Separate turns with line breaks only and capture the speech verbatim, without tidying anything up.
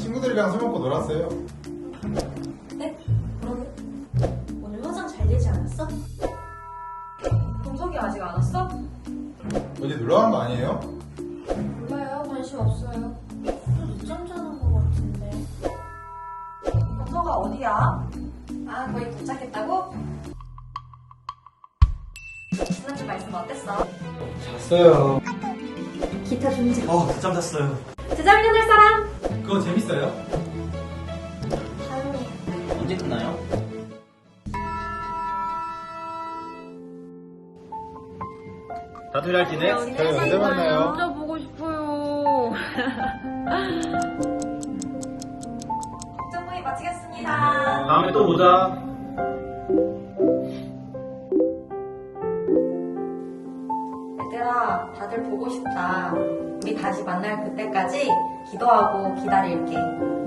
친구들이랑 술 먹고 놀았어요.
네? 그러게. 오늘 화장 잘 되지 않았어? 동석이 아직 안 왔어?
어디 놀러 간 거 아니에요?
몰라요. 관심 없어요. 좀 늦잠 자는 것 같은데. 동석아 어디야? 아 거의 도착했다고? 지난주 말씀 어땠어?
잤어요.
기타 존재.
어, 늦잠 잤어요.
제자리 할 사람?
그거 재밌어요?
다음이.
언제 끝나요? 다들 잘 지내?
저희 언제 만나요?
진짜 보고 싶어요.
정모임 마치겠습니다.
다음에 또 보자.
얘들아, 다들 보고 싶다. 우리 다시 만날 그때까지 기도하고 기다릴게.